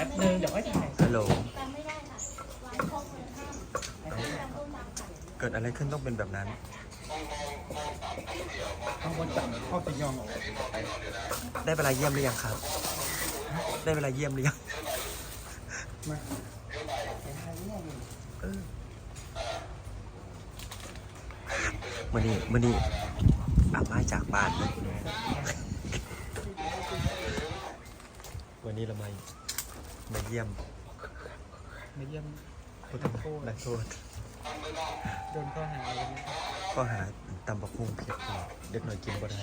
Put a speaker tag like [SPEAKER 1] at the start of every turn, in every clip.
[SPEAKER 1] ป๊บนึงเดี๋ยวค่อยถ่าย
[SPEAKER 2] ฮัลโหลเกิดอะไรขึ้นต้องเป็นแบบนั้น
[SPEAKER 1] ข้างบนจับเข้าตียองออก
[SPEAKER 2] ได้เวลาเยี่ยมหรือยังครับ ได้เวลาเยี่ยมหรือยัง
[SPEAKER 1] มา
[SPEAKER 2] มื่อนี้อาบไม้จากบ้านเลยวันนี้เรามาเยี่ยม
[SPEAKER 1] มาเยี่ยม
[SPEAKER 2] ผู้ทำโทษนักโทษ
[SPEAKER 1] โดนข้อหาอะไรนะ
[SPEAKER 2] ก็หาตำบักหุ่งเพียบเลยเด็กหน่อยกินบ่ได้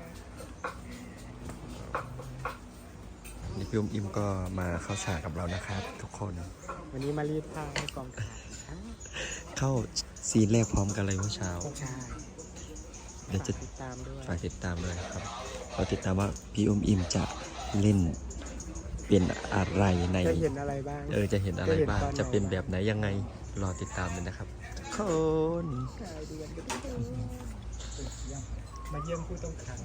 [SPEAKER 2] นี่พี่อิมก็มาเข้าฉากกับเรานะครับ ทุกคน
[SPEAKER 1] วันนี้มารีดผ้าให้กองถ่าย
[SPEAKER 2] เข้าซีนแรกพร้อมกันเลยเมื่อเช้า
[SPEAKER 1] ใช่
[SPEAKER 2] เดี๋ยวจะ
[SPEAKER 1] ติดตามด้วย
[SPEAKER 2] ฝากติดตามด้วยครับเราติดตามว่าพี่อิมจะเล่นเป็นอะไรใน
[SPEAKER 1] จะเห็นอะไรบ้าง
[SPEAKER 2] จะเห็นอะไรบ้าง
[SPEAKER 1] จะเห็นตอนไหน
[SPEAKER 2] จะเป็นแบบไหนยังไงรอติดตามเลยนะครับคน
[SPEAKER 1] มาเยี่ยมผู้ต้องขัง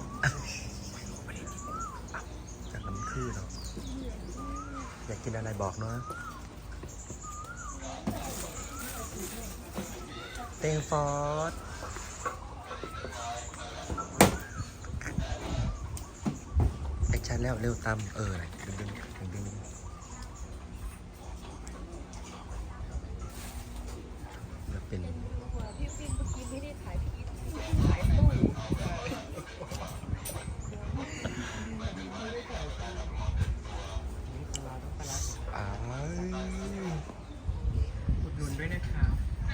[SPEAKER 2] จากน้ำคือเนาะอยากกินอะไรบอกเนาะเตงฟอร์ดแอคชั่นแล้วเร็วตามดึงจะเป็น
[SPEAKER 3] พี่ฟินเมื่อกี้ไม่ได้ถ่ายพี่อินถ่ายตู้
[SPEAKER 2] อ้าว
[SPEAKER 1] อุดหนุนด้วยนะครับ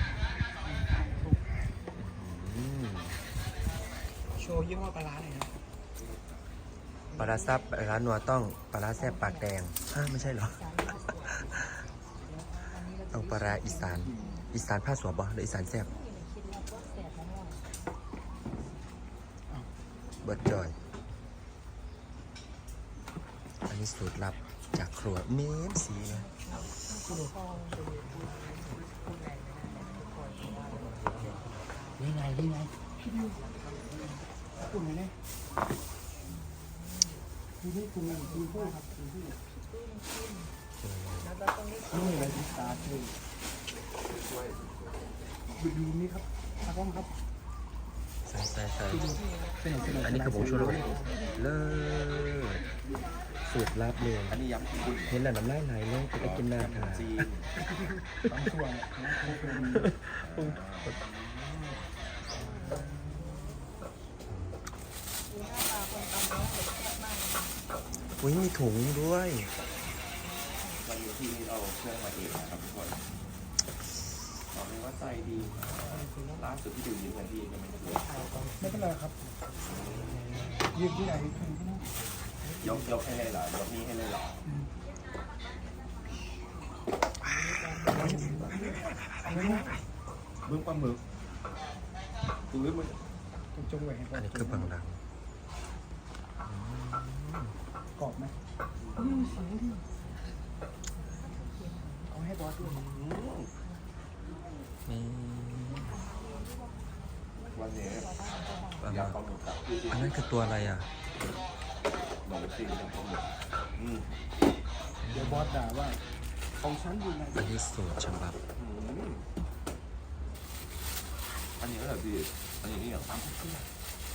[SPEAKER 1] โชว์ยี่ห้อปลาร้าเลยนะ
[SPEAKER 2] ปลาร้าซับร้านนัวต้องปลาร้าแซ่บปากแดงไม่ใช่เหรอ ต้องปลาร้าอีสานผ้าสวบบ่หรืออีสานแซ่บเบิร์ดจอย อันนี้สูตรลับจากครัวเมนสีนะนี่ไง
[SPEAKER 1] กลุ่มไหนเนี่ยดูนี่กลุ่มไหนดูผู้ครับดูผู้นี่อะไรที่ตาคือดูนี่ครับตากล้องครับ
[SPEAKER 2] ใส่
[SPEAKER 1] เป็น
[SPEAKER 2] อันนี้คือผงชูรสเลิศสูตรลับเลย
[SPEAKER 4] อันนี้ยำคุณ
[SPEAKER 2] เห็นแล้วน้ำลายไหลเลยไปกินหน้าทาน
[SPEAKER 4] จีน
[SPEAKER 1] บางส่วนนะ
[SPEAKER 2] อุ้ยมีถุงด้วย
[SPEAKER 4] วันนี้ที่เอาเครื่องมาเองนะครับทุกคนบอกเลยว่าใจดีล่าสุดที่ดูยิ้มกันที่ยังไม่ได้เลย
[SPEAKER 1] ไม่เป็นไรครับยืนที่ไหนถึงที่นั่น
[SPEAKER 4] ยกให้เลยเหรอยกนี้ให้เลยเหรอบึ้งปลาหมึกตุ้ยมัน
[SPEAKER 1] จงไว้ให้
[SPEAKER 2] อันนี้คือบางรัง
[SPEAKER 1] กรอบไหมเอาให้บอสด้วย
[SPEAKER 2] นี่
[SPEAKER 4] วันนี้
[SPEAKER 2] ปลาห
[SPEAKER 4] ยำป
[SPEAKER 2] มึ
[SPEAKER 4] ลาก หมึกกับ
[SPEAKER 2] อันนั้นคือตัวอะไรอ่ะ
[SPEAKER 4] หมูซีนยำปลาหมึก
[SPEAKER 1] เดี๋ยวบอสด่าว่าของฉันอยู่ไหน
[SPEAKER 2] อันนี้สูตรฉบับ
[SPEAKER 4] อันนี้ก็แบบดีอันนี้นี่อย่างตั้งเครื่อง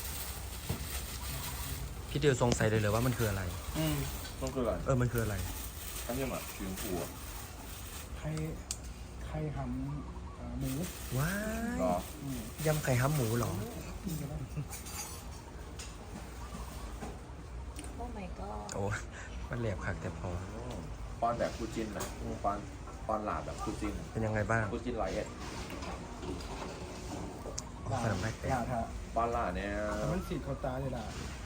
[SPEAKER 2] พี่เดียวสงสัยเลยว่ามันคืออะไร
[SPEAKER 4] ต้องเกลือ
[SPEAKER 2] มันคืออะไร
[SPEAKER 4] อันนี้แบบชื้นผัว
[SPEAKER 1] ใครหำหมู
[SPEAKER 2] ว้า
[SPEAKER 4] หรอย
[SPEAKER 2] ำไข่ห้ำหมูเหรอ
[SPEAKER 3] โอ้ my god
[SPEAKER 2] โอ้มันแหลบคักแต่พอ
[SPEAKER 4] ปอนแบบคูจินนะปอนหลาบแบบคูจิน
[SPEAKER 2] เป็นยังไงบ้าง
[SPEAKER 4] คูจินไลท์
[SPEAKER 2] ขนมได้แต่
[SPEAKER 1] ด่าถ้า
[SPEAKER 4] ปอนหลาเนี่ย
[SPEAKER 1] มันสีดเขาตาเลยด่า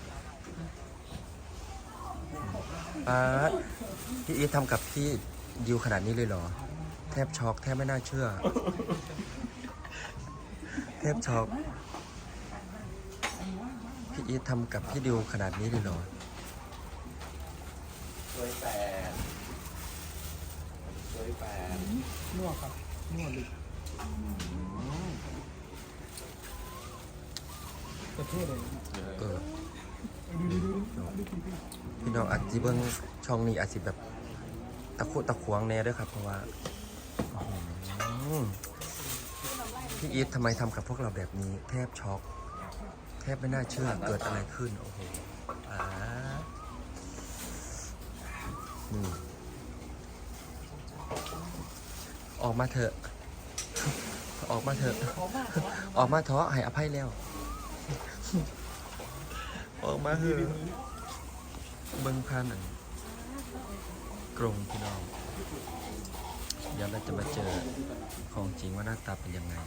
[SPEAKER 2] พี่อีททำกับพี่ดิวขนาดนี้เลยเหรอ แทบช็อกแทบไม่น่าเชื่อ แทบช็อกพี่อีททำกับพี่ดิวขนาดนี้เลยเหรอ
[SPEAKER 4] ช่วยแฟน
[SPEAKER 1] นวดครับนวดลึกประเทศเลย
[SPEAKER 2] เออ
[SPEAKER 1] ดู
[SPEAKER 2] พี่น้องอาจจะเบิ่งช่องนี้อาจจะแบบตะขวงแน่ด้วยครับเพราะว่าพี่อีททำไมทำกับพวกเราแบบนี้แทบช็อกแทบไม่น่าเชื่อเกิดอะไรขึ้นโอ้โหออกมาเถอะออกมาเถอะออกมาเถอะให้อภัยแล้วออกมาเถอะเบิ้งพันอันกรงพี่น้องเดี๋ยวเราจะมาเจอของจริงว่าหน้าตาเป็นยังไง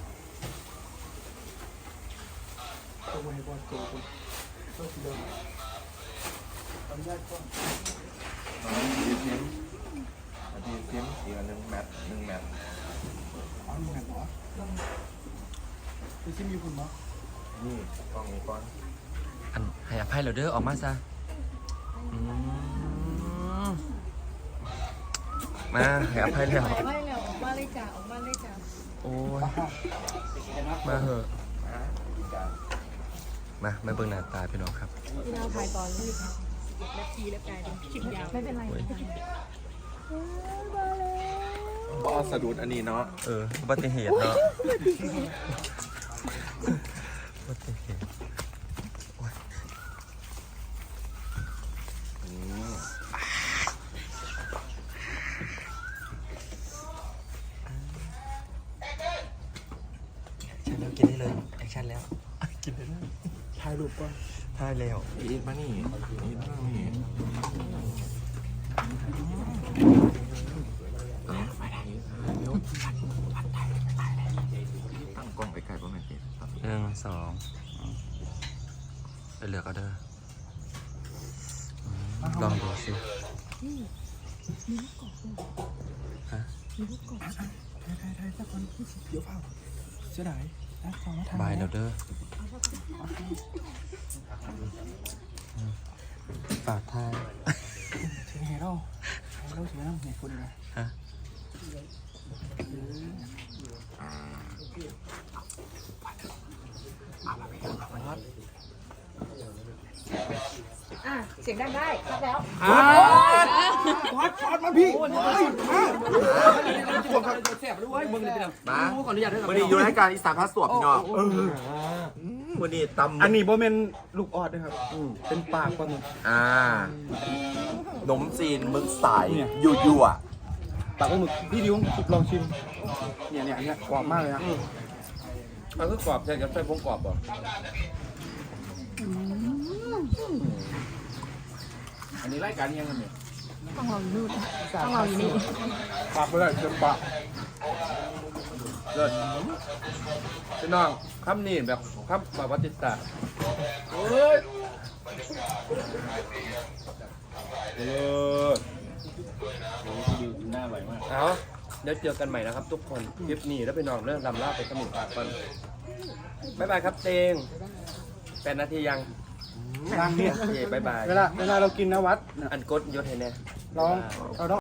[SPEAKER 1] ต้องให้บอสโกงต้องเดินทำยากก่อน
[SPEAKER 4] ดีเทมอีกอันหนึ่งแมท
[SPEAKER 1] อ๋อนี่ไงหมอพี่ซิมอยู่คุณหมอ
[SPEAKER 4] นี่กล้องนี้ก่อน
[SPEAKER 2] อันให้อภัยเราเด้อออกมาซะมาให้อภัยแล้ว
[SPEAKER 3] ออกมาเลยจ้าออกมาเลยจ้า
[SPEAKER 2] โอ้ยมาเหอะมาเบิ่งหน้าตาพี่น้องครับ
[SPEAKER 3] พี่น้องถ่ายตอนนี้นาทีแล้วกลายเป็นคลิปยาวไม่เป็นไร
[SPEAKER 4] บอสสะดุดอันนี้เนาะ
[SPEAKER 2] อุบัติเหตุเนาะอุบัติเหตุกินได้เลยแอคชั่นแล้วกินได้เลย
[SPEAKER 1] ถ่ายรูปก่อน
[SPEAKER 2] ถ่ายแล้ว
[SPEAKER 4] อีทมานี่ตั้งกล้องไปไกลประมาณ1
[SPEAKER 2] 2ไปเลือกเอาเด้อลองดูสิ
[SPEAKER 3] มีลูกกบ
[SPEAKER 2] ฮะ
[SPEAKER 3] มีลูกกบ
[SPEAKER 1] ถ่ายสักคนเดี๋ยวเปล่าเสียดายนะฟังมาถ่าย
[SPEAKER 2] บายแล้วเด้อฝากถ่าย
[SPEAKER 1] ถึงเฮโร่ถึงน้ำเนี่ยคุณนะ
[SPEAKER 2] ฮะ
[SPEAKER 3] เสียงดังได้ครับแล้ว
[SPEAKER 1] บอสมาพี่
[SPEAKER 4] มาวันนี้อยู่รายการอีสานพาสวบพี่น้องวันนี้ตำ
[SPEAKER 1] อันนี้โบเมนลูกออดนะครับเป็นปากปลาหมึก
[SPEAKER 4] นมจีนมึกสายยั่ว
[SPEAKER 1] ปากปลาหมึกพี่ดิวลองชิมเนี่ยกรอบมากเลยนะ
[SPEAKER 4] มันก็กรอบใช่กับใส่พงกรอบป่ะอันนี้รายการยังไงเนี่ย
[SPEAKER 3] ต้องเราอยู่นู่นต้องเราอยู่นี่
[SPEAKER 1] ปากเลยเต็มปาก
[SPEAKER 4] เลิศพี่น้องคำนี้แบบคำประวัติศาสตร์หน้าไหวมากเอาเดี๋ยวเจอกันใหม่นะครับทุกคนคลิปนี้แล้วไปนอนเรื่องลำลาไปสมุทรปราการบ๊ายบายครับเตง8 นาทียัง
[SPEAKER 1] เนี่ย
[SPEAKER 4] บ๊ายบาย
[SPEAKER 1] เวลาเรากินนะวัด
[SPEAKER 4] อันกดยศให้แน่
[SPEAKER 1] เราต้อง